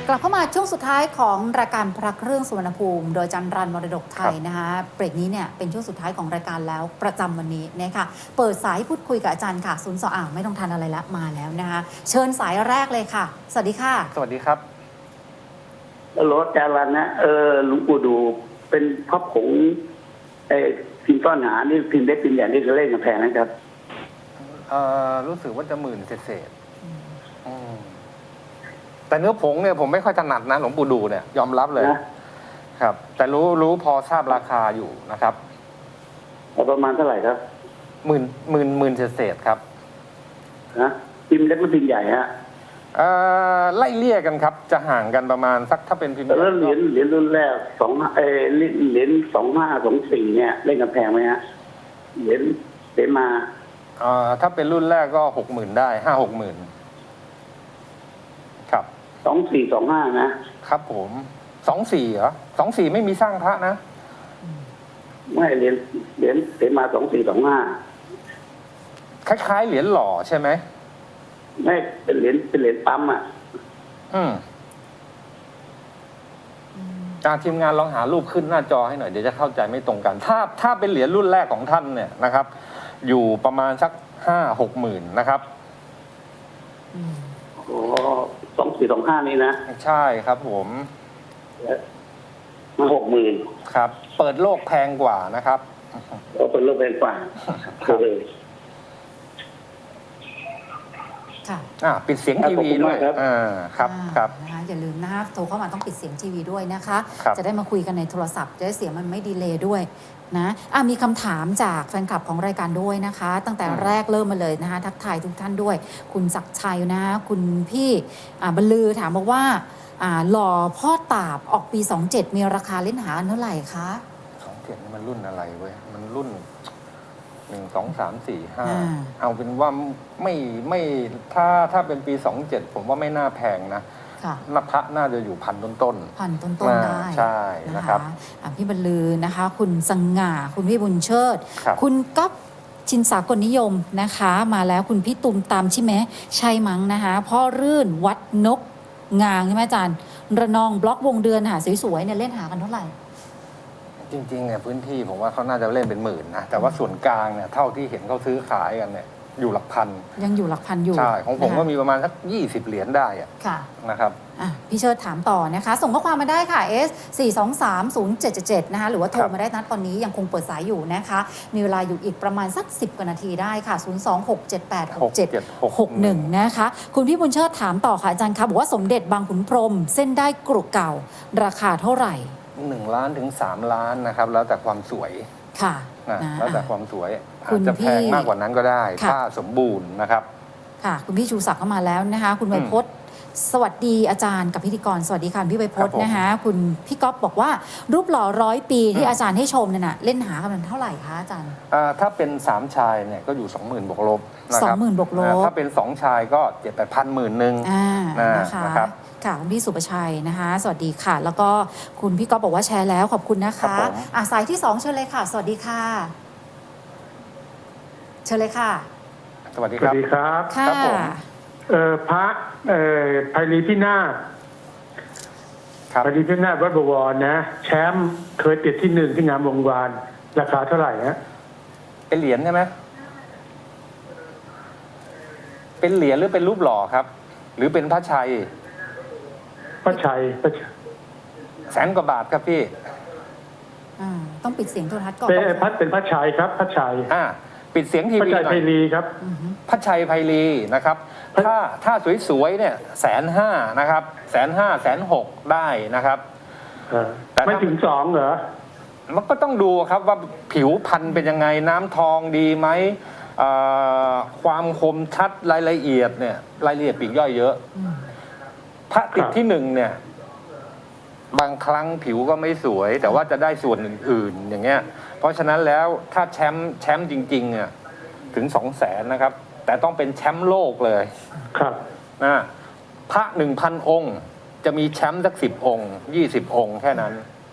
กลับเข้ามาช่วงสุดท้ายของรายการพระเครื่องสุวรรณภูมิโดยจันรันมรดกไทยนะคะเบรกนี้เนี่ยเป็นช่วงสุดท้ายของรายการแล้วประจำวันนี้นะคะเปิดสายพูดคุยกับอาจารย์ค่ะ02ไม่ต้องทันอะไรละมาแล้วนะคะเชิญสายแรกเลยค่ะสวัสดีค่ะสวัสดีครับรถจารันนะหลวงปู่ดูเป็นพระผงพิมพ์ต้อนหานี่พิมพ์เล็กพิมพ์ใหญ่นี่จะเล่นกับแพงนะครับรู้สึกว่าจะ10,000เศษแต่เนื้อผงเนี่ยผมไม่ค่อยถนัดนะหลวงปู่ดูเนี่ยยอมรับเลยนะครับแต่รู้พอทราบราคาอยู่นะครับประมาณเท่าไหร่ครับหมื่นเศษครับนะพิมพ์เล็กหรือพิมพ์ใหญ่ฮะไล่เลี่ยกันครับจะห่างกันประมาณสักถ้าเป็นพิมพ์แล้วเหรียญรุ่นแรกเหรียญ2524เนี่ยเล่นกับแพงไหมฮะเหรียญมาถ้าเป็นรุ่นแรกก็60,000ได้50,000ครับ 2425 นะครับผม24เหรอ24ไม่มีสร้างพระนะไม่เหรียญมา 2425คล้ายๆเหรียญหล่อใช่ไหมไม่เป็นเหรียญปั๊มทีมงานลองหารูปขึ้นหน้าจอให้หน่อยเดี๋ยวจะเข้าใจไม่ตรงกันถ้าเป็นเหรียญรุ่นแรกของท่านเนี่ยนะครับอยู่ประมาณสัก5-6 หมื่นนะครับ 2425นี่นะใช่ครับผมมา60,000 ครับเปิดโลกแพงกว่านะครับเปิดโลกแพงกว่าปิดเสียงทีวีด้วยครับนะคะอย่าลืมนะคะโทรเข้ามาต้องปิดเสียงทีวีด้วยนะคะจะได้มาคุยกันในโทรศัพท์จะได้เสียงมันไม่ดีเลย์ด้วยนะมีคำถามจากแฟนคลับของรายการด้วยนะคะตั้งแต่แรกเริ่มมาเลยนะคะทักทายทุกท่านด้วยคุณศักดิ์ชัยนะคุณพี่บรรลือถามบอกว่าหล่อพ่อตาบออกปี27มีราคาเล่นหาเท่าไหร่คะ 27นี่มันรุ่นอะไรเว้ยมันรุ่น1 2 3 4 5เอาเป็นว่าไม่ถ้าเป็นปี27ผมว่าไม่น่าแพงนะนับพระน่าจะอยู่1,000 ต้นได้ใช่นะครับพี่บรรลือนะคะคุณสง่าคุณพี่บุญเชิดคุณก๊อฟชินสากลนิยมนะคะมาแล้วคุณพี่ตุมตามใช่ไหมใช่มั้งนะคะพ่อรื่นวัดนกงางใช่ไหมอาจารย์ระนองบล็อกวงเดือนหาสวยๆเนี่ยเล่นหากันเท่าไหร่จริงๆเนี่ยพื้นที่ผมว่าเขาน่าจะเล่นเป็นหมื่นนะแต่ว่าส่วนกลางเนี่ยเท่าที่เห็นเขาซื้อขายกันเนี่ยอยู่หลักพันยังอยู่หลักพันอยู่ใช่ของผมก็มีประมาณสัก20 เหรียญได้ค่ะนะครับพี่เชิดถามต่อนะคะส่งข้อความมาได้ค่ะ S 4230777นะคะหรือว่าโทรมาได้นัดตอนนี้ยังคงเปิดสายอยู่นะคะมีเวลาอยู่อีกประมาณสัก10 กว่านาทีได้ค่ะ026786761นะคะคุณพี่บุญเชิดถามต่อค่ะอาจารย์คะบอกว่าสมเด็จบางขุนพรหมเส้นได้กรุเก่าราคาเท่าไหร่ 1 ล้านถึง3 ล้านนะครับแล้วแต่ความสวยค่ะแล้วแต่ความสวยอาจจะแพงมากกว่านั้นก็ได้ถ้าสมบูรณ์นะครับค่ะคุณพี่ชูศักดิ์เข้ามาแล้วนะคะคุณไวพจน์สวัสดีอาจารย์กับพิธีกรสวัสดีค่ะพี่ไวพจน์นะคะคุณพี่ก๊อฟบอกว่ารูปหล่อ100 ปีที่อาจารย์ให้ชมเนี่ยนะเล่นหากันเท่าไหร่คะอาจารย์ถ้าเป็น3 ชายเนี่ยก็อยู่ 20,000 บวกลบนะครับ20,000 บวกลบถ้าเป็น2 ชายก็7-8,000 10,000 นึงนะครับค่ะคุณพี่สุประชัยนะคะสวัสดีค่ะแล้วก็คุณพี่ก๊อฟบอกว่าแชร์แล้วขอบคุณนะคะสายที่2เชิญเลยค่ะสวัสดีค่ะเชิญเลยค่ะสวัสดีครับค่ะพระไพรีพินาศไพรีพินาศวัดบวรนะแชมป์เคยติดที่1ที่งามวงวานราคาเท่าไหร่ฮะเป็นเหรียญใช่ไหมเป็นเหรียญหรือเป็นรูปหล่อครับหรือเป็นพระชัย100,000 กว่าบาทครับพี่ต้องปิดเสียงโทรทัศน์ก่อนเป็นพระชัยครับพระชัยปิดเสียงทีวีหน่อยพระชัยไพรีครับพระชัยไพรีนะครับถ้าสวยๆเนี่ย150,000นะครับ150,000 160,000ได้นะครับแต่ไม่ถึง2เหรอมันก็ต้องดูครับว่าผิวพรรณเป็นยังไงน้ำทองดีไหมความคมชัดรายละเอียดเนี่ยรายละเอียดปลีกย่อยเยอะพระติดที่1เนี่ยบางครั้งผิวก็ไม่สวยแต่ว่าจะได้ส่วนอื่นๆอย่างเงี้ยเพราะฉะนั้นแล้วถ้าแชมป์จริงๆเนี่ยถึง200,000นะครับแต่ต้องเป็นแชมป์โลกเลยครับพระ 1,000 องค์จะมีแชมป์สัก10 องค์20 องค์แค่นั้น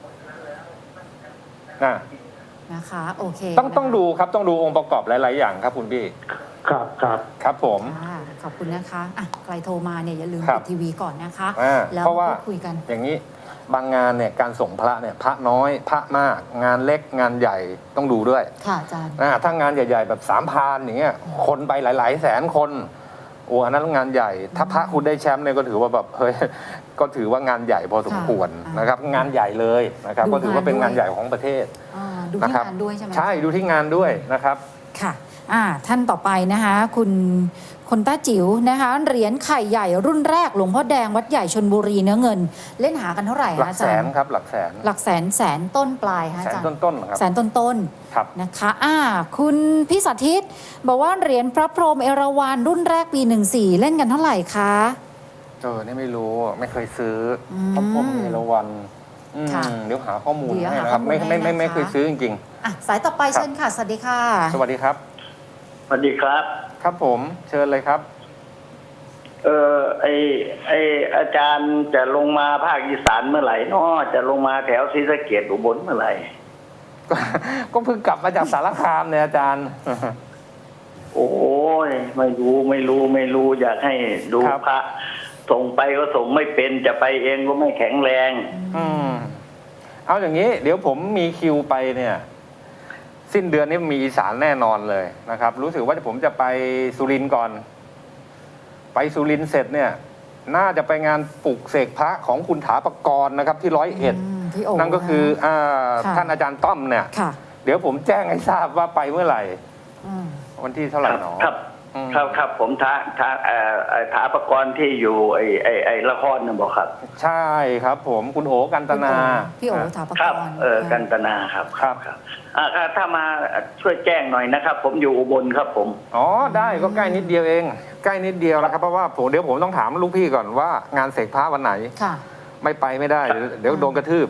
นะคะโอเคต้องดูครับต้องดูองค์ประกอบหลายๆอย่างครับคุณพี่ครับครับผมขอบคุณนะคะอ่ะใครโทรมาเนี่ยอย่าลืมครัปิบดทีวีก่อนนะคะ แล้วเพราะว่าพูดคุยกันอย่างนี้บางงานเนี่ยการส่งพระเนี่ยพระน้อยพระมาก งานเล็กงานใหญ่ต้องดูด้วยค่ะอาจารย์ถ้างานใหญ่ๆแบบ3,000อย่างเงี้ยคนไปหลายๆแสนคนโอ้อันนั้นงานใหญ่ ถ้าพระคุณได้แชมป์เนี่ยก็ถือว่าแบบเฮ้ยก็ถือว่างานใหญ่พอสมควรค่ะนะครับ งานใหญ่เลยนะครับดูก็ถือว่าเป็นงานด้วยงานใหญ่ของประเทศดูนะที่ครับงานด้วยใช่ไหมใช่ดูที่งานด้วยนะครับค่ะท่านต่อไปนะคะคุณต้าจิ๋วนะคะเหรียญไข่ใหญ่รุ่นแรกหลวงพ่อแดงวัดใหญ่ชลบุรีเนื้อเงิน เล่นหากันเท่าไหร่หลัคะกอาแสจารนย์ครับหลักแสนหลักแสนต้นปลายคะแสอาน จารย์ต้นๆครับแสนต้นครับนะคะคุณพี่สาธิตบอกว่าเหรียญพระพรหมเอราวัณรุ่นแรกปี14เล่นกันเท่าไหร่คะนี่ไม่รู้ไม่เคยซื้ออมพระพรหมเอราวัณค่ะเดี๋ยวหาข้อมูลเดี๋ยวให้หานะครับข้อมูลไม่ให้นะคะไม่เคยซื้อจริงสายต่อไปครับเชิญค่ะสวัสดีค่ะๆ สวัสดีครับสวัสดีครับครับผมเชิญเลยครับไออาจารย์จะลงมาภาคอีสานเมื่อไหร่เนาะจะลงมาแถวศรีสะเกษอุบลเมื่อไหร่ก็เพิ่งกลับมาจากสารคามเนี่ยอาจารย์โอ้ยไม่รู้อยากให้ดูครับพระส่งไปก็ส่งไม่เป็นจะไปเองก็ไม่แข็งแรงเอาอย่างนี้ เดี๋ยวผมมีคิวไปเนี่ย สิ้นเดือนนี้มีอีสานแน่นอนเลยนะครับ รู้สึกว่าผมจะไปสุรินทร์ก่อน ไปสุรินทร์เสร็จเนี่ย น่าจะไปงานปลุกเสกพระของคุณถาปกรณ์นะครับ ที่101 พี่โอ๋นั่นก็คือค่ะท่านอาจารย์ต้อมเนี่ยค่ะเดี๋ยวผมแจ้งให้ทราบว่าไปเมื่อไหร่อืมวันที่เท่าไหร่หนอครับอืมครับผมถาประกรณ์ที่อยู่ไอ้ละครนะบอกครับใช่ครับ ผมคุณโอกันตนาพี่โอ๋ถาปกครับรณ์กันตนาครับครับถ้ามาช่วยแจ้งหน่อยนะครับ ผมอยู่อุบลครับผมอ๋อได้ก็ใกล้นิดเดียวเอง ใกล้นิดเดียวนะครับเพราะว่าเดี๋ยวผมต้องถามลูกพี่ก่อนว่างานเสกพระวันไหนค่ะไม่ไปไม่ได้ เดี๋ยวโดนกระทืบ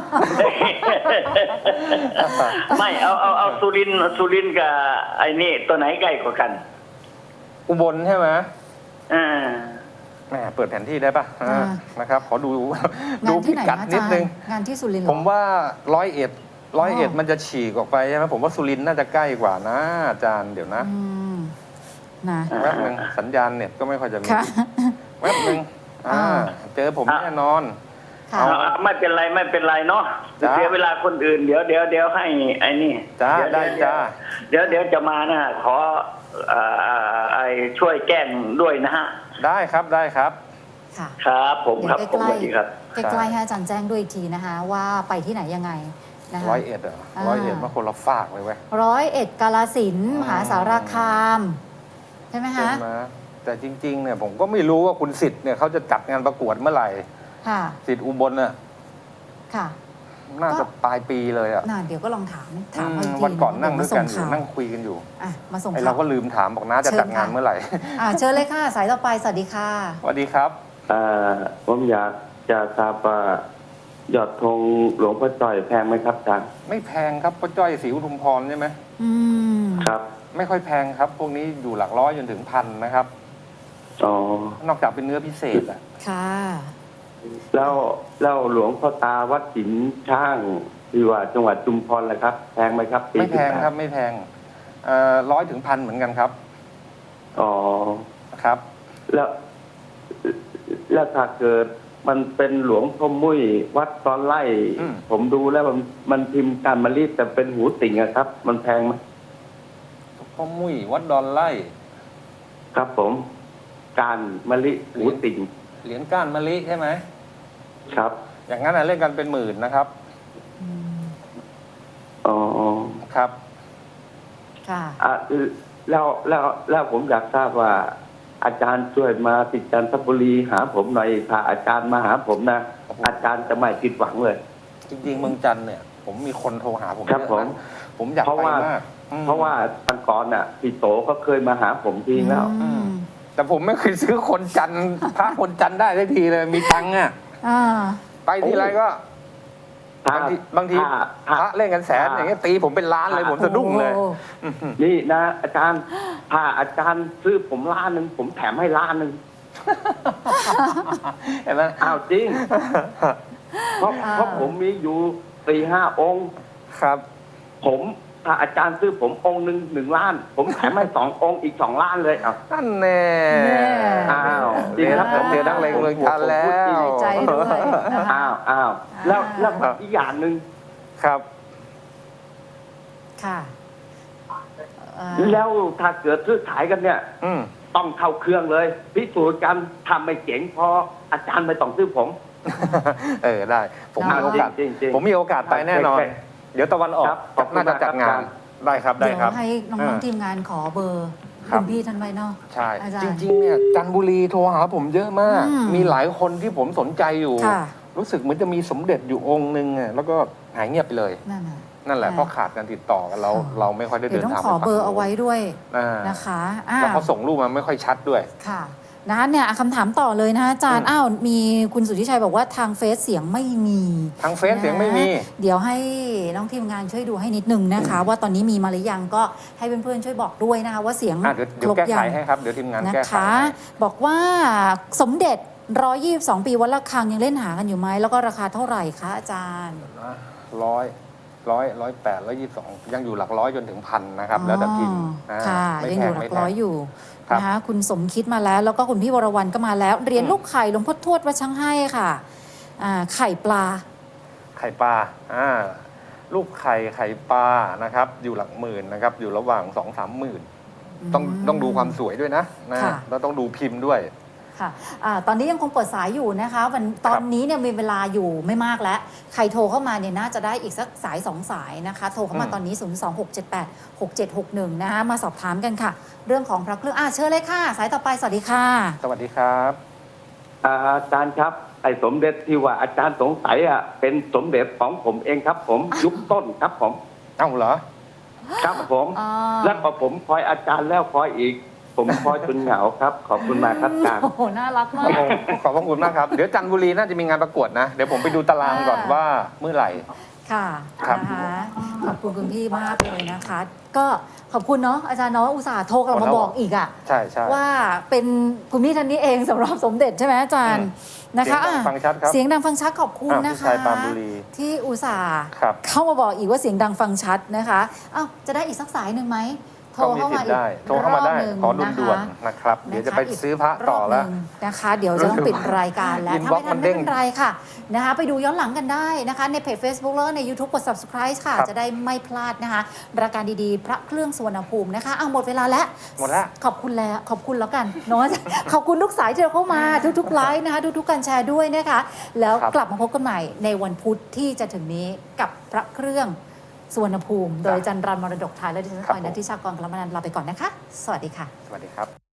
ไม่เอาสุรินทร์กับไอ้นี่ตัวไหนใกล้กว่ากันอุบลใช่ไหมอ่าแหมเปิดแผนที่ได้ปะอ่านะครับ ขอดูงาดูนพิที่ไหนกัดนะอานิจาดรนึงย์งานที่สุรินทร์เหรอผมว่า101มันจะฉีกออกไปใช่ไหมผมว่าสุรินทร์น่าจะใกล้กว่านะอาจารย์เดี๋ยวนะอืมนะแวบนึงสัญญาณเน็ตก็ไม่ค่อยจะมีค่ะแวบนึงเจอผมแน่นอนค่ะไม่เป็นไรเนาะจ้าเสียเวลาคนอื่นเดี๋ยวให้ไอ้นี่จ้าได้จ้าเดี๋ยวจะมานะขอไอ้ช่วยแก้งด้วยนะฮะได้ครับได้ครับค่ะครับผมเดี๋ยวครับผมใกสล้วัสดีครับๆใกล้ๆให้อาจารย์แจ้งด้วยอีกทีนะคะ ว่าไปที่ไหนยังไงนะคะ 101เหรอ101มาคนละฝากเลยเว้ย 101 กาฬสินธุ์มหาสารคาม ใช่ไหมใช่คะไหมแต่จริงๆเนี่ยผมก็ไม่รู้ว่าคุณสิทธิ์เนี่ยเขาจะจัดงานประกวดเมื่อไหร่ค่ะสิทธิ์อุบลน่ะค่ะน่าจะปลายปีเลยอ่ะเดี๋ยวก็ลองถามเขาอีกทีวันก่อนนั่งเดี๋ด้ยววยกันมาอส่ยู่งข่าวนั่งคุยกันอยู่มาส่งไอข่าเราวก็ลืมถามบอกน้าจะเชิญจัดงานค่ะเมื่อไหร่เชิญเลยค่ะ สายต่อไปสวัสดีค่ะสวัสดีครับผมอยากจะทราบว่ายอดธงหลวงพ่อจ่อยแพงไหมครับอาจารย์ไม่แพงครับป้าจ้อยศรีอุทุมพรใช่ไหมอืมครับไม่ค่อยแพงครับ พวกนี้อยู่หลักร้อยจนถึงพันนะครับอ๋อนอกจากเป็นเนื้อพิเศษอ่ะค่ะแล้วหลวงพ่อตาวัดสินช่างที่ว่าจังหวัดชุมพรแหละครับ แพงไหมครับปีไม่แพง 18 ครับไม่แพง100 ถึง 1,000เหมือนกันครับอ๋อครับแล้วถ้าเกิดมันเป็นหลวงพ่อมุ้ยวัดตอนไล่ ผมดูแล้วมันพิมพ์การมะลิแต่เป็นหูติ่งอะครับ มันแพงไหมพ่อมุ้ยวัดดอนไล่ครับผมการมะลิหูติ่งเหรียญก้านมะลิใช่ไหมครับอย่างนั้นเล่นกันเป็นหมื่นนะครับอ๋อครับค่ะแล้วผมอยากทราบว่าอาจารย์ช่วยมาติดจันทบุรีหาผมหน่อยพาอาจารย์มาหาผมนะ อาจารย์จะไม่ผิดหวังเลยจริงๆเมืองจันทร์เนี่ย ผมมีคนโทรหาผมครับเยอะผมนะผมอยากเพราะไปว่ามากอืมเพราะว่าตังก่อนน่ะพี่โตก็เคยมาหาผมทีแล้วแต่ผมไม่เคยซื้อคนจันทร์พระคนจันทร์ได้สักทีเลยมีตังค์อ่ะ ไปทีไรก็ถ้าบางทีถ้าพระเล่นกันแสนถ้าอย่างเงี้ยตีผมเป็นล้านเลยผมสะดุ้งเลยนี่นะอาจารย์ถ้าอาจารย์ซื้อผม1,000,000ผมแถมให้1,000,000 เห็นไหมอ้าวจริง เพราะผมมีอยู่4-5 องค์ครับผมถ้าอาจารย์ซื้อผมองค์1 ล้าน ผมขายไม่2 องค์อีก2 ล้านเลยเอานั่นแน่อ้าวจริงครับผมเจอนักเลงเมืองจันทร์แล้วใจด้วยนะคะอ้าวแล้วอีกอย่างหนึ่งครับค่ะอ่าแล้วถ้าเกิดซื้อขายกันเนี่ยอืมต้องเข้าเครื่องเลยพิสูจน์กันทำไม่เจ๋งพออาจารย์ไม่ต้องซื้อผมได้ ผมมีโอกาสจริงๆผมมีโอกาสไปแน่นอนใช่เดี๋ยวตะวันออกครับขอบคุณน่าจะจัดงามาน กครับได้ครับได้เดี๋ยวครับให้น้องๆทีมงานขอเบอร์ครับคุณพี่ท่านไว้เนาะใช่อาจารจย์ริงๆเนี่ยจันทบุรีโทรหาผมเยอะมากอืมมีหลายคนที่ผมสนใจอยู่ค่ะรู้สึกเหมือนจะมีสมเด็จอยู่องค์หนึ่งอะแล้วก็หายเงียบไปเลยนั่นน่ะนั่นแหละอ่าเพราะขาดการติดต่อกันเราไม่ค่อยได้เดี๋เดิยวน ต้องทางขอไปเบอร์ฝั่งเอาไว้ด้วยอ่านะคะแล้วเขาส่งรูปมาไม่ค่อยชัดด้วยค่ะนะคะเนี่ยคำถามต่อเลยนะคะอาจารย์อืมมีคุณสุทธิชัยบอกว่าทางเฟซเสียงไม่มีทางเฟซเสียงไม่มีเดี๋ยวให้น้องทีมงานช่วยดูให้นิดนึงนะคะ ว่าตอนนี้มีมาหรือยังก็ให้เพื่อนๆช่วยบอกด้วยนะคะว่าเสียงเดี๋ยวแก้ไขให้ครับ เดี๋ยวทีมงานนะแก้ไขคะให้บอกว่าสมเด็จ122 ปีวัดระฆังยังเล่นหากันอยู่ไหมแล้วก็ราคาเท่าไหร่คะอาจารย์ 100 128 122 ยังอยู่หลักร้อยจนถึงพันนะครับ แล้วแต่พิมพ์นะค่ะไม่ยังแพอง ยู่หลัไม่กแพร้อง ยอยู่ครับนะคะคุณสมคิดมาแล้ว แล้วก็คุณพี่วรวรรณก็มาแล้วเหรียญอืมลูกไข่หลวงพ่อทวดวัดช่างให้ค่ะไข่ปลาไข่ปลาลูกไข่ปลานะครับ อยู่หลักหมื่นนะครับ อยู่ระหว่าง 2-3 หมื่น ต้องดูความสวยด้วยนะค่ะแล้วต้องดูพิมพ์ด้วยค่ะตอนนี้ยังคงเปิดสายอยู่นะคะตอนนี้เนี่ยมีเวลาอยู่ไม่มากแล้ว ใครโทรเข้ามาเนี่ยน่าจะได้อีกสักสาย2 สายนะคะ โทรเข้ามาตอนนี้ 026786761 นะคะมาสอบถามกันค่ะ เรื่องของพระเครื่องเชิญเลยค่ะ สายต่อไปสวัสดีค่ะสวัสดีครับอาจารย์ครับไอ้สมเด็จที่ว่าอาจารย์สงสัยเป็นสมเด็จของผมเองครับ ผมยุคต้นครับผมเอ้าเหรอครับผมอ๋อแล้วพอผมคอยอาจารย์แล้วคอยอีก ผมคอยจนเหงาครับ ขอบคุณมากครับอาจารย์โอ้โหน่ารักมากขอบพระคุณมากครับ เดี๋ยวจันทบุรีน่าจะมีงานประกวดนะ เดี๋ยวผมไปดูตารางก่อนว่าเมื่อไหร่ค่ะครับนะคะขอบคุณคุณพี่มากเลยนะคะ ก็ขอบคุณเนาะอาจารย์เนาะอุตส่าห์โทรกลับมาบอกอีกอะใช่ใช่ว่าเป็นคุณพี่ท่านนี้เองสำหรับสมเด็จใช่ไหมอาจารย์นะคะเสียงดังฟังชัดครับเสียงดังฟังชัดขอบคุณนะพี่คะชายปรานบุรีที่อุตส่าห์ครับเข้ามาบอกอีกว่าเสียงดังฟังชัดนะคะจะได้อีกสักสายหนึ่งไหมโทรก็มีเข้าสิมาทอีธิ์กได้โทรเข้ามาได้รอบหนึ่งขอด่วนนะคะๆนะครับ เดี๋ยวจะไปซื้อพระกต่อแล้วรบหนึ่งนะคะ เดี๋ยวจะต้องปิดรายการแล้วอินถ้าบ็อกไม่ทันซ์มันเด้ไม่งเป็นไรค่ะนะคะไปดูย้อนหลังกันได้นะคะในเพจ Facebook แล้วก็ใน YouTube กด subscribe ค่ะครับจะได้ไม่พลาดนะคะรายการดีๆ พระเครื่องสุวรรณภูมินะคะหมดเวลาแล้วหมดแล้วขอบคุณแล้วขอบคุณแล้วกันเนาะ ขอบคุณทุกสายที่เราเข้ามาทุกๆไลฟ์นะคะทุกๆการแชร์ด้วยนะคะ แล้วครับกลับมาพบกันใหม่ในวันพุธที่จะถึงนี้กับพระเครื่องสุวรรณภูมิ โดยอาจันรันมรดกไทยและดิฉันครับออยนัทธิชากรกลมนันท์ลาไปก่อนนะคะ สวัสดีค่ะสวัสดีครับ